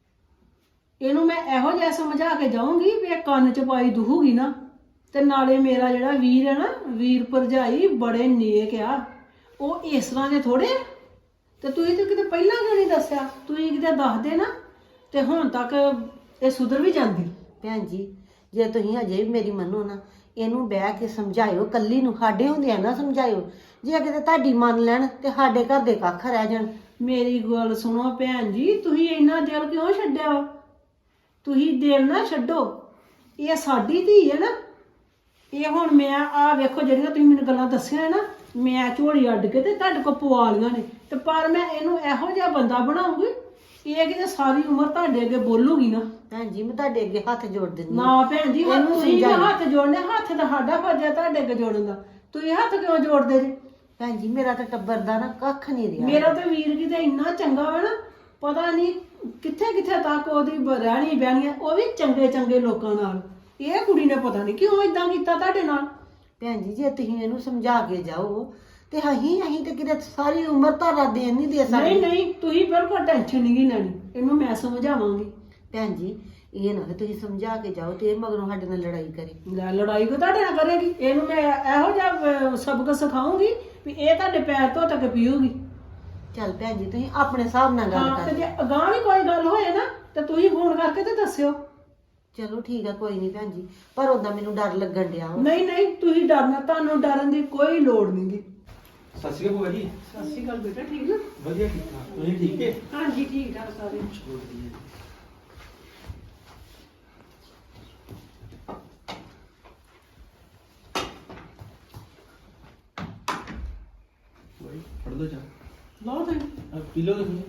Speaker 5: ਇਹਨੂੰ ਮੈਂ ਇਹੋ ਜਿਹਾ ਸਮਝਾ ਕੇ ਜਾਊਂਗੀ ਵੀ ਇਹ ਕੰਨ ਚ ਪਾਈ ਦੂਹੂਗੀ ਨਾ। ਤੇ ਨਾਲੇ ਮੇਰਾ ਜਿਹੜਾ ਵੀਰ ਹੈ ਨਾ, ਵੀਰ ਭਰਜਾਈ ਬੜੇ ਨੇਕ ਆ, ਉਹ ਇਸ ਤਰ੍ਹਾਂ ਦੇ ਥੋੜੇ। ਤੇ ਤੁਸੀਂ ਤਾਂ ਕਿਤੇ ਪਹਿਲਾਂ ਕਿਉਂ ਨਹੀਂ ਦੱਸਿਆ? ਤੁਸੀਂ ਕਿਤੇ ਦੱਸਦੇ ਨਾ ਤੇ ਹੁਣ ਤੱਕ ਇਹ ਸੁਧਰ ਵੀ ਜਾਂਦੀ।
Speaker 3: ਭੈਣ ਜੀ ਜੇ ਤੁਸੀਂ ਹਜੇ ਵੀ ਮੇਰੀ ਮੰਨੋ ਨਾ, ਇਹਨੂੰ ਬਹਿ ਕੇ ਸਮਝਾਇਓ, ਕੱਲੀ ਨੂੰ, ਸਾਡੇ ਹੁੰਦਿਆਂ ਨਾ ਸਮਝਾਇਓ। ਜੇ ਕਿਤੇ ਤੁਹਾਡੀ ਮੰਨ ਲੈਣ ਤੇ ਸਾਡੇ ਘਰ ਦੇ ਕੱਖ ਰਹਿ ਜਾਣ।
Speaker 5: ਮੇਰੀ ਗੱਲ ਸੁਣੋ ਭੈਣ ਜੀ, ਤੁਸੀਂ ਇੰਨਾ ਦਿਲ ਕਿਉਂ ਛੱਡਿਆ ਵਾ? ਤੁਸੀਂ ਦਿਲ ਨਾ ਛੱਡੋ, ਇਹ ਸਾਡੀ ਧੀ ਹੈ ਨਾ। ਇਹ ਹੁਣ ਮੈਂ ਆ ਵੇਖੋ ਜਿਹੜੀਆਂ ਤੁਸੀਂ ਮੈਨੂੰ ਗੱਲਾਂ ਦੱਸੀਆਂ ਨਾ, ਮੈਂ ਝੋਲੀ ਅੱਡ ਕੇ ਤੇ ਤੁਹਾਡੇ ਕੋਲ ਪਵਾ ਲੀਆਂ ਨੇ, ਤੇ ਪਰ ਮੈਂ ਇਹਨੂੰ ਇਹੋ ਜਿਹਾ ਬੰਦਾ ਬਣਾਉਂਗੀ, ਇਹ ਕਿਤੇ ਸਾਰੀ ਉਮਰ ਤੁਹਾਡੇ ਅੱਗੇ ਬੋਲੂਗੀ ਨਾ।
Speaker 3: ਭੈਣ ਜੀ ਮੈਂ ਤੁਹਾਡੇ ਅੱਗੇ ਹੱਥ ਜੋੜ ਦਿੰਦੀ ਹਾਂ।
Speaker 5: ਨਾ ਭੈਣ ਜੀ
Speaker 3: ਇਹਨੂੰ
Speaker 5: ਤੁਸੀਂ ਵੀ
Speaker 3: ਸਮਝਾਈ।
Speaker 5: ਹੱਥ ਜੋੜਨੇ, ਹੱਥ ਤਾਂ ਸਾਡਾ ਫਰਜ਼ ਹੈ ਤੁਹਾਡੇ ਅੱਗੇ ਜੋੜਨ ਦਾ। ਤੁਸੀਂ ਹੱਥ ਕਿਉਂ ਜੋੜਦੇ ਜੇ?
Speaker 3: ਭੈਣ ਜੀ ਮੇਰਾ ਤਾਂ ਟੱਬਰ ਦਾ ਨਾ ਕੱਖ ਨਹੀਂ ਰਿਹਾ।
Speaker 5: ਮੇਰਾ ਤਾਂ ਵੀਰ ਕਿਤੇ ਇੰਨਾ ਚੰਗਾ ਵਾ ਨਾ, ਪਤਾ ਨਹੀਂ ਕਿੱਥੇ ਕਿੱਥੇ ਤੱਕ ਉਹਦੀ ਬ- ਰਹਿਣੀ ਬਹਿਣੀ ਆ, ਉਹ ਵੀ ਚੰਗੇ ਚੰਗੇ ਲੋਕਾਂ ਨਾਲ। ਇਹ ਕੁੜੀ ਨੇ ਪਤਾ ਨਹੀਂ ਕਿਉਂ ਇਦਾਂ ਕੀਤਾ ਤੁਹਾਡੇ ਨਾਲ।
Speaker 3: ਭੈਣ ਜੀ ਜੇ ਤੁਸੀਂ ਇਹਨੂੰ ਸਮਝਾ ਕੇ ਜਾਓ ਤੇ ਅਸੀਂ ਅਸੀਂ ਤੇ ਕਿਤੇ ਸਾਰੀ ਉਮਰ ਤੁਹਾਡਾ ਦੇਣ ਨਹੀਂ ਦੇ ਸਕਦੇ।
Speaker 5: ਨਹੀਂ ਨਹੀਂ ਤੁਸੀਂ ਬਿਲਕੁਲ ਟੈਨਸ਼ਨ ਨਹੀਂ ਗੀ ਲੈਣੀ, ਇਹਨੂੰ ਮੈਂ ਸਮਝਾਵਾਂਗੀ।
Speaker 3: ਭੈਣ ਜੀ ਇਹ ਨਾ ਕਿ ਤੁਸੀਂ ਸਮਝਾ ਕੇ ਜਾਓ ਤੇ ਇਹ ਮਗਰੋਂ ਸਾਡੇ ਨਾਲ ਲੜਾਈ ਕਰੇ।
Speaker 5: ਲੈ ਲੜਾਈ ਕੋ ਤੁਹਾਡੇ ਨਾਲ ਕਰੇਗੀ? ਇਹਨੂੰ ਮੈਂ ਇਹੋ ਜਿਹਾ ਅਹ, ਸਬਕ ਸਿਖਾਉਂਗੀ ਵੀ ਇਹ ਤੁਹਾਡੇ ਪੈਰ ਧੋ ਤੱਕ ਪੀਊਗੀ।
Speaker 3: ਚੱਲ ਭੈਣ ਜੀ ਤੁਸੀਂ ਆਪਣੇ ਹਿਸਾਬ ਨਾਲ ਗੱਲ
Speaker 5: ਹਾਂ ਤੇ
Speaker 3: ਕਰ।
Speaker 5: ਜੇ ਅਗਾਂਹ ਵੀ ਕੋਈ ਗੱਲ ਹੋਏ ਨਾ ਤੇ ਤੁਸੀਂ ਫੋਨ ਕਰਕੇ ਤੇ ਦੱਸਿਓ।
Speaker 3: ਚਲੋ ਠੀਕ ਆ ਕੋਈ ਨਹੀਂ ਭੈਣ ਜੀ, ਪਰ ਉਦਾਂ ਮੈਨੂੰ ਡਰ ਲੱਗਣ ਡਿਆ ਵਾ।
Speaker 5: ਨਹੀਂ ਨਹੀਂ ਤੁਸੀਂ ਡਰਨਾ, ਤੁਹਾਨੂੰ ਡਰਨ ਦੀ ਕੋਈ ਲੋੜ ਨਹੀਂਗੀ।
Speaker 1: ਸਤਿ ਸ਼੍ਰੀ ਅਕਾਲ ਭੂਆ ਜੀ।
Speaker 5: ਸਤਿ ਸ਼੍ਰੀ ਅਕਾਲ ਬੇਟਾ, ਠੀਕ ਨਾ?
Speaker 1: ਵਧੀਆ ਠੀਕ ਠਾਕ, ਤੁਸੀਂ ਠੀਕ ਹੈ?
Speaker 5: ਹਾਂਜੀ ਠੀਕ ਠਾਕ ਸਾਰੇ।
Speaker 1: ਭਾਈ ਫੜ ਲਓ ਜਾ,
Speaker 5: ਲਓ ਤੁਸੀਂ।
Speaker 1: ਆ ਪੀ ਲਓ ਤੁਸੀਂ।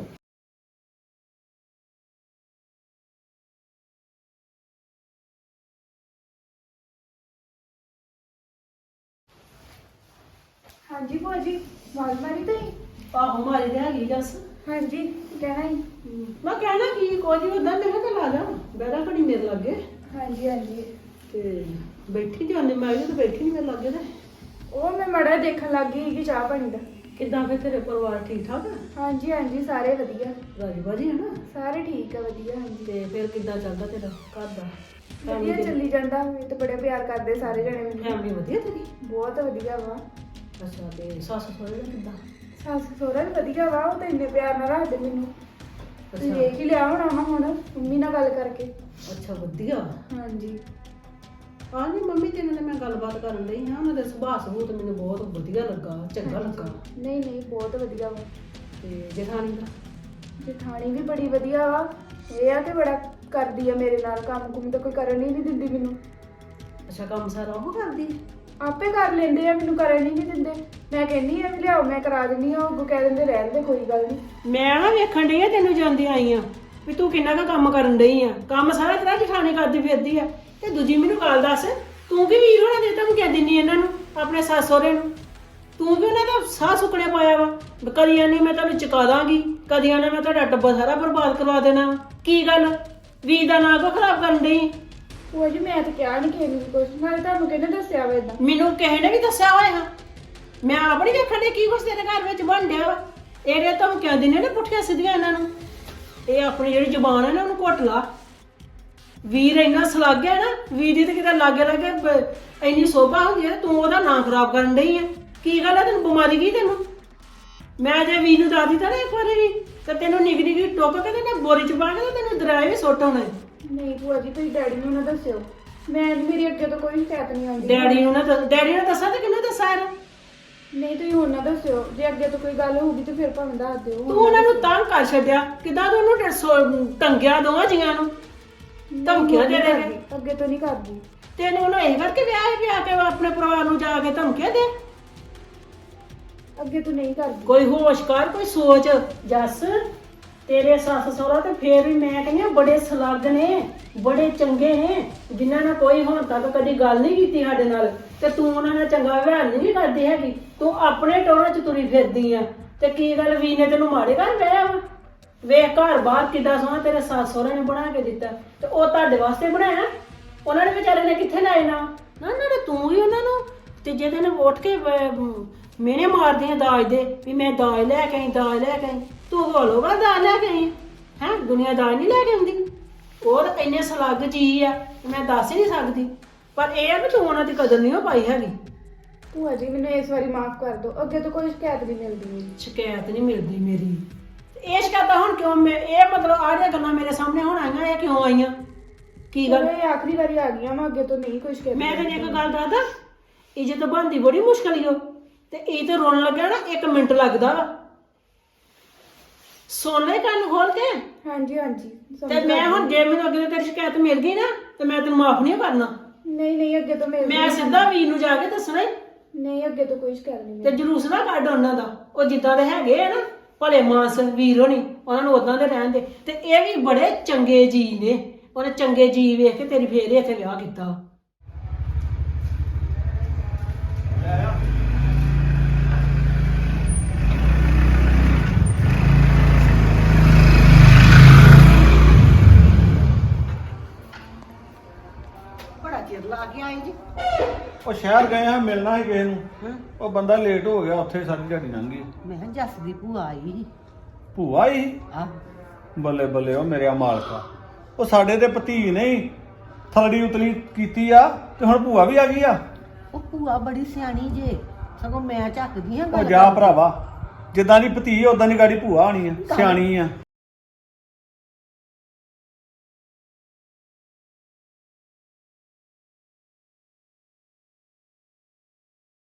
Speaker 2: ਹਾਂਜੀ ਭੂਆ ਜੀ, ਆਵਾਜ਼ ਮਾਰੀ ਤੁਸੀਂ?
Speaker 5: ਆਹੋ ਮਾਰੀ ਤੇ ਹੈਗੀ ਦੱਸ।
Speaker 2: ਹਾਂਜੀ ਕਹਿਣਾ ਹੀ।
Speaker 5: ਮੈਂ ਕਹਿਣਾ ਕੀ ਕੋਈ ਉਦਾਂ ਮੈਂ ਕਿਹਾ ਚੱਲ ਆ ਜਾ ਬੈਠਾ ਘੜੀ ਮੇਰੇ ਲੱਗੇ
Speaker 2: ਹਾਂਜੀ ਹਾਂਜੀ।
Speaker 5: ਤੇ ਬੈਠੀ ਜਾਂਦੇ ਮੈਂ ਵੀ ਤਾਂ ਬੈਠੀ ਨਹੀਂ ਮੇਰੇ ਲੱਗੇ ਤੇ।
Speaker 2: ਉਹ ਮੈਂ ਮੜਾ ਦੇਖਣ ਲੱਗ ਗਈ ਕਿ ਚਾਹ ਪਾਣੀ ਦਾ।
Speaker 5: ਕਿੱਦਾਂ ਫਿਰ ਤੇਰੇ ਪਰਿਵਾਰ ਠੀਕ ਠਾਕ ਆ?
Speaker 2: ਹਾਂਜੀ ਹਾਂਜੀ ਸਾਰੇ ਵਧੀਆ,
Speaker 5: ਰਾਜੀ ਬਾਜੀ ਹੈ ਨਾ?
Speaker 2: ਸਾਰੇ ਠੀਕ ਆ ਵਧੀਆ। ਹਾਂਜੀ
Speaker 5: ਤੇ ਫਿਰ ਕਿੱਦਾਂ ਚੱਲਦਾ ਤੇਰਾ ਘਰ ਦਾ?
Speaker 2: ਵਧੀਆ ਚੱਲੀ ਜਾਂਦਾ, ਇਹ ਤਾਂ ਬੜੇ ਪਿਆਰ ਕਰਦੇ ਸਾਰੇ ਜਣੇ ਮੈਨੂੰ।
Speaker 5: ਫੈਮਿਲੀ ਵਧੀਆ ਤੇਰੀ?
Speaker 2: ਬਹੁਤ ਵਧੀਆ ਵਾ।
Speaker 5: ਅੱਛਾ ਤੇ ਸੱਸ ਸਹੁਰੇ ਦਾ ਕਿੱਦਾਂ?
Speaker 2: ਸੱਸ ਸਹੁਰਾ ਵੀ ਵਧੀਆ ਵਾ, ਉਹ ਤਾਂ ਇੰਨੇ ਪਿਆਰ ਨਾਲ ਰੱਖਦੇ ਮੈਨੂੰ। ਤੁਸੀਂ
Speaker 5: ਅੱਛਾ।
Speaker 2: ਦੇਖ ਹੀ ਲਿਆ ਹੋਣਾ ਵਾ ਹੁਣ ਮੰਮੀ ਨਾਲ ਗੱਲ ਕਰਕੇ।
Speaker 5: ਅੱਛਾ ਵਧੀਆ।
Speaker 2: ਹਾਂਜੀ
Speaker 5: ਹਾਂ ਨਹੀਂ ਮੰਮੀ ਤੇਰੇ ਨਾਲ ਮੈਂ ਗੱਲਬਾਤ ਕਰਨ ਲਈ ਹਾਂ, ਉਹਨਾਂ ਦਾ ਸੁਭਾਅ ਸਬੂਤ ਮੈਨੂੰ ਬਹੁਤ ਵਧੀਆ ਲੱਗਾ, ਚੰਗਾ ਲੱਗਾ।
Speaker 2: ਨਹੀਂ ਨਹੀਂ ਬਹੁਤ ਵਧੀਆ ਵਾ।
Speaker 5: ਤੇ ਜਠਾਣੀ ਦਾ?
Speaker 2: ਜਠਾਣੀ ਵੀ ਬੜੀ ਵਧੀਆ ਵਾ। ਇਹ ਆ ਕਿ ਬੜਾ ਕਰਦੀ ਆ ਮੇਰੇ ਨਾਲ, ਕੰਮ ਕੁਮ ਤਾਂ ਕੋਈ ਕਰਨ ਹੀ ਨਹੀਂ ਦਿੰਦੀ ਮੈਨੂੰ।
Speaker 5: ਅੱਛਾ ਕੰਮ ਸਾਰਾ ਉਹ ਕਰਦੀ?
Speaker 2: ਆਪੇ ਕਰ ਲੈਂਦੇ ਆ, ਮੈਨੂੰ ਕਰਨ ਹੀ ਨਹੀਂ ਦਿੰਦੇ। ਮੈਂ ਕਹਿੰਦੀ ਆ ਵੀ ਲਿਆਓ ਮੈਂ ਕਰਾ ਦਿੰਦੀ ਆ, ਉਹ ਅੱਗੋਂ ਕਹਿ ਦਿੰਦੇ ਰਹਿਣ ਦੇ ਕੋਈ ਗੱਲ ਨਹੀਂ।
Speaker 5: ਮੈਂ ਨਾ ਵੇਖਣ ਡਈ ਆ ਤੈਨੂੰ ਜਾਂਦੀ ਆਈ ਆ ਵੀ ਤੂੰ ਕਿੰਨਾ ਕੁ ਕੰਮ ਕਰਨ ਡਈ ਆ। ਕੰਮ ਸਾਰਾ ਤੇਰਾ ਜਠਾਣੀ ਕਰਦੀ ਫਿਰਦੀ ਆ। ਤੇ ਦੂਜੀ ਮੈਨੂੰ ਗੱਲ ਦੱਸ, ਤੂੰ ਕੀ ਵੀਰ ਹੋਣਾ ਦੇ ਤੈਨੂੰ ਕਹਿ ਦਿੰਨੀ ਇਹਨਾਂ ਨੂੰ, ਆਪਣੇ ਸੱਸ ਸਹੁਰੇ ਨੂੰ? ਤੂੰ ਵੀ ਉਹਨਾਂ ਦਾ ਸਾਹ ਸੁੱਕਣੇ ਪਾਇਆ ਵਾ। ਕਦੀਆਂ ਨੇ ਮੈਂ ਤੁਹਾਨੂੰ ਚੁਕਾ ਦਾਂਗੀ, ਕਦੀਆਂ ਨੇ ਮੈਂ ਤੁਹਾਡਾ ਟੱਬਰ ਸਾਰਾ ਬਰਬਾਦ ਕਰਵਾ ਦੇਣਾ। ਕੀ ਗੱਲ ਵੀਰ ਦਾ ਨਾਂ ਕਿਉਂ ਖਰਾਬ ਕਰਨ ਡਈ?
Speaker 2: ਉਹ ਜੀ ਮੈਂ ਤਾਂ ਕਿਹਾ ਨਹੀਂ ਕਿਸੇ ਨੂੰ ਵੀ ਕੁਛ, ਨਾਲੇ ਤੁਹਾਨੂੰ ਕਿਹਨੇ ਦੱਸਿਆ ਵਾ ਏਦਾਂ?
Speaker 5: ਮੈਨੂੰ ਕਿਸੇ ਨੇ ਵੀ ਦੱਸਿਆ ਹੋਇਆ, ਮੈਂ ਆਪ ਨਹੀਂ ਵੇਖਣ ਡਈ ਕੀ ਕੁਛ ਤੇਰੇ ਘਰ ਵਿੱਚ ਬਣ ਡਿਆ ਵਾ। ਇਹਦੇ ਧਮਕੀਆਂ ਦਿੰਦੇ ਨੇ ਪੁੱਠੀਆਂ ਸਿੱਧੀਆਂ ਇਹਨਾਂ ਨੂੰ। ਇਹ ਆਪਣੀ ਜਿਹੜੀ ਜ਼ੁਬਾਨ ਹੈ ਨਾ ਉਹਨੂੰ ਘੁੱਟ ਲਾ। ਵੀਰ ਇੰਨਾ ਸਲੱਗ ਹੈ ਨਾ, ਵੀਰ ਦੀ ਤੇ ਕਿਤੇ ਲਾਗੇ ਲਾਗੇ ਬ- ਇੰਨੀ ਸੋਭਾ ਹੁੰਦੀ ਹੈ, ਤੂੰ ਉਹਦਾ ਨਾਂ ਖਰਾਬ ਕਰਨ ਡਈ ਆ। ਕੀ ਗੱਲ ਹੈ, ਤੈਨੂੰ ਬਿਮਾਰੀ ਕੀ ਤੈਨੂੰ? ਮੈਂ ਜੇ ਵੀਰ ਨੂੰ ਦੱਸ ਦਿੱਤਾ ਨਾ ਇੱਕ ਵਾਰੀ ਵੀ ਤੇ ਤੈਨੂੰ ਨਿੱਘ ਨਿੱਘ ਟੋਕ ਕੇ ਤੇ ਨਾ ਬੋਰੀ ਚ ਪਾ ਕੇ ਤੇ ਤੈਨੂੰ ਦਰਾਏ ਵੀ ਸੁੱਟ ਆਉਣਾ।
Speaker 2: ਨਹੀਂ ਭੂਆ ਜੀ ਤੁਸੀਂ ਡੈਡੀ ਨੂੰ ਨਾ ਦੱਸਿਓ, ਮੈਂ ਮੇਰੀ ਅੱਗੇ ਤੋਂ ਕੋਈ ਸ਼ਿਕਾਇਤ ਨਹੀਂ ਆਉਂਦੀ।
Speaker 5: ਡੈਡੀ ਨੂੰ ਨਾ ਦੱਸ- ਡੈਡੀ ਨੂੰ ਦੱਸਾਂ ਤੇ ਕਿਹਨੂੰ ਦੱਸਾਂ ਇਹਨੂੰ?
Speaker 2: ਨਹੀਂ ਤੁਸੀਂ ਹੁਣ ਨਾ ਦੱਸਿਓ, ਜੇ ਅੱਗੇ ਤੋਂ ਕੋਈ ਗੱਲ ਹੋਊਗੀ ਤੇ ਫਿਰ ਭਾਵੇਂ ਦੱਸ ਦਿਓ।
Speaker 5: ਤੂੰ ਉਹਨਾਂ ਨੂੰ ਤੰਗ ਕਰ ਛੱਡਿਆ, ਕਿਦਾਂ ਤੂੰ ਉਹਨੂੰ ਡ- ਸੋ- ਟੰਗਿਆ ਦੋਵਾਂ ਜੀਆਂ ਨੂੰ, ਧਮਕੀਆਂ ਦੇ ਦੇ ਕੇ।
Speaker 2: ਅੱਗੇ ਤੋਂ ਨਹੀਂ ਕਰਦੀ।
Speaker 5: ਤੈਨੂੰ ਉਹਨੂੰ ਇਹ ਕਰਕੇ ਵਿਆਹ ਪਿਆ ਕੇ ਆਪਣੇ ਪਰਿਵਾਰ ਨੂੰ ਜਾ ਕੇ ਧਮਕੀਆਂ ਦੇ।
Speaker 2: ਅੱਗੇ ਤੋਂ ਨਹੀਂ ਕਰਦੀ।
Speaker 5: ਕੋਈ ਹੋਸ਼ ਕਰ, ਕੋਈ ਸੋਚ। ਜੱਸ ਤੇਰੇ ਸੱਸ ਸਹੁਰਾ ਤੇ ਫੇਰ ਵੀ ਮੈਂ ਕਹਿੰਦੀ ਆ ਬੜੇ ਸਲੱਗ ਨੇ, ਬੜੇ ਚੰਗੇ ਨੇ, ਜਿਨ੍ਹਾਂ ਨਾਲ ਕੋਈ ਹੁਣ ਤੱਕ ਕਦੀ ਗੱਲ ਨਹੀਂ ਕੀਤੀ ਸਾਡੇ ਨਾਲ, ਤੇ ਤੂੰ ਉਹਨਾਂ ਨਾਲ ਚੰਗਾ ਵਿਵਹਾਰ ਨਹੀਂ ਕਰਦੀ ਹੈਗੀ। ਤੂੰ ਆਪਣੇ ਟੋਰਾਂ 'ਚ ਤੁਰੀ ਫਿਰਦੀ ਆ। ਤੇ ਕੀ ਗੱਲ ਵੀਰ ਨੇ ਤੈਨੂੰ ਮਾੜੇ ਘਰ ਵਿਆਹਿਆ ਵਾ? ਵੇਖ ਘਰ ਬਾਹਰ ਕਿੱਦਾਂ ਸੋਹਣਾ ਤੇਰੇ ਸੱਸ ਸਹੁਰੇ ਨੇ ਬਣਾ ਕੇ ਦਿੱਤਾ, ਤੇ ਉਹ ਤੁਹਾਡੇ ਵਾਸਤੇ ਬਣਾਇਆ। ਉਹਨਾਂ ਨੇ ਵਿਚਾਰੇ ਨੇ ਕਿੱਥੇ ਲਾਏ ਨਾ ਨਾ ਨਾ ਤੂੰ ਹੀ ਉਹਨਾਂ ਨੂੰ ਤੀਜੇ ਦਿਨ ਉੱਠ ਕੇ ਮਿਹਣੇ ਮਾਰਦੀ ਆ ਦਾਜ ਦੇ ਵੀ ਮੈਂ ਦਾਜ ਲੈ ਕੇ ਆਈ, ਦਾਜ ਲੈ ਕੇ ਆਈ। ਤੂੰ ਹੋਲੋਗਾ ਦਾਜ ਲੈ ਕੇ ਆਈ ਹੈ? ਦੁਨੀਆ ਦਾਜ ਨਹੀਂ ਲੈ ਕੇ ਆਉਂਦੀ। ਉਹ ਤਾਂ ਇੰਨੇ ਸਲੱਗ ਜੀ ਆ ਮੈਂ ਦੱਸ ਹੀ ਨਹੀਂ ਸਕਦੀ। ਪਰ ਇਹ ਆ ਵੀ ਤੂੰ ਉਹਨਾਂ ਦੀ ਕਦਰ ਨਹੀਂ ਹੋ ਪਾਈ ਹੈਗੀ।
Speaker 2: ਭੂਆ ਜੀ ਮੈਨੂੰ ਇਸ ਵਾਰੀ ਮਾਫ ਕਰ ਦਿਓ, ਅੱਗੇ ਤੋਂ ਕੋਈ ਸ਼ਿਕਾਇਤ ਨਹੀਂ ਮਿਲਦੀ ਮੇਰੀ।
Speaker 5: ਸ਼ਿਕਾਇਤ ਨਹੀਂ ਮਿਲਦੀ ਮੇਰੀ? ਇਹ ਸ਼ਿਕਾਇਤਾਂ ਹੁਣ ਕਿਉਂ? ਮੈਂ ਇਹ ਮਤਲਬ ਆਹ ਜਿਹੜੀਆਂ ਗੱਲਾਂ ਮੇਰੇ ਸਾਹਮਣੇ ਹੁਣ ਆਈਆਂ, ਇਹ ਕਿਉਂ ਆਈਆਂ? ਕੀ ਗੱਲ?
Speaker 2: ਇਹ ਆਖਰੀ ਵਾਰੀ ਆ ਗਈਆਂ ਮੈਂ, ਅੱਗੇ ਤੋਂ ਨਹੀਂ ਕੋਈ ਸ਼ਿਕਾਇਤ।
Speaker 5: ਮੈਂ ਤੈਨੂੰ ਇੱਕ ਗੱਲ ਦੱਸਦਾ, ਇੱਜ਼ਤ ਬਣਦੀ ਬੜੀ ਮੁਸ਼ਕਲ ਹੀ ਹੋ, ਤੇ ਇਹ ਤੇ ਰੋਣ ਲੱਗਿਆ ਨਾ ਇੱਕ ਮਿੰਟ ਲੱਗਦਾ ਵਾ। ਸੁਣ ਲੈ ਕੰਨ ਖੋਲ ਕੇ।
Speaker 2: ਹਾਂਜੀ ਹਾਂਜੀ
Speaker 5: ਤੇ ਮੈਂ ਹੁਣ ਜੇ ਮੈਨੂੰ ਅੱਗੇ ਤੋਂ ਤੇਰੀ ਸ਼ਿਕਾਇਤ ਮਿਲ ਗਈ ਨਾ ਤੇ ਮੈਂ ਤੈਨੂੰ ਮਾਫ ਨਹੀਂ ਕਰਨਾ।
Speaker 2: ਨਹੀਂ ਨਹੀਂ ਅੱਗੇ ਤੋਂ ਮਿਲ
Speaker 5: ਮੈਂ ਸਿੱਧਾ ਵੀਰ ਨੂੰ ਜਾ ਕੇ ਦੱਸਣਾ ਈ।
Speaker 2: ਨਹੀਂ ਅੱਗੇ ਤੋਂ ਕੋਈ ਸ਼ਿਕਾਇਤ ਨਹੀਂ
Speaker 5: ਤੇ ਜਲੂਸ ਨਾ ਕੱਢ ਉਹਨਾਂ ਦਾ। ਉਹ ਜਿੱਦਾਂ ਦੇ ਹੈਗੇ ਆ ਨਾ ਭਲੇ ਮਾਨਸ ਵੀਰ ਹੋਣੀ, ਉਹਨਾਂ ਨੂੰ ਉਦਾਂ ਦੇ ਰਹਿਣ ਦੇ। ਤੇ ਇਹ ਵੀ ਬੜੇ ਚੰਗੇ ਜੀ ਨੇ, ਉਹਨੇ ਚੰਗੇ ਜੀ ਵੇਖ ਕੇ ਤੇਰੀ ਫੇਰ ਇੱਥੇ ਵਿਆਹ ਕੀਤਾ।
Speaker 3: ਬੜਾ ਚਿਰ ਲਾ ਕੇ ਆਏ ਜੀ।
Speaker 6: ਉਹ ਸ਼ਹਿਰ ਗਏ ਹਾਂ, ਮਿਲਣਾ ਸੀ ਕਿਸੇ ਨੂੰ।
Speaker 3: ਹਾਂ
Speaker 6: ਉਹ ਬੰਦਾ ਲੇਟ ਹੋ ਗਿਆ, ਉੱਥੇ ਸਾਰੀ ਦਿਹਾੜੀ ਲੰਘ ਗਈ।
Speaker 3: ਮੈਂ ਕਿਹਾ ਜੱਸ ਦੀ ਭੂਆ ਆਈ ਸੀ।
Speaker 6: ਭੂਆ ਹੀ
Speaker 3: ਆ
Speaker 6: ਬੱਲੇ ਬੱਲੇ ਉਹ ਮੇਰੇ ਮਾਲਕਾ, ਉਹ ਸਾਡੇ ਤੇ ਭਤੀ ਨਹੀਂ ਥਲੜੀ ਉਤਲੀ ਕੀਤੀ ਆ ਤੇ ਹੁਣ ਭੂਆ ਵੀ ਆ ਗਈ ਆ।
Speaker 3: ਉਹ ਭੂਆ ਬੜੀ ਸਿਆਣੀ ਜੇ, ਸਗੋਂ ਮੈਂ ਝੱਕਦੀ ਹਾਂ
Speaker 6: ਉਹ
Speaker 3: ਗੱਲ
Speaker 6: ਜਾ
Speaker 3: ਕਰਨ।
Speaker 6: ਭਰਾਵਾ, ਜਿੱਦਾਂ ਦੀ ਭਤੀ ਉਦਾਂ ਦੀ ਗਾੜੀ ਭੂਆ ਹੋਣੀ ਆ, ਸਿਆਣੀ ਆ।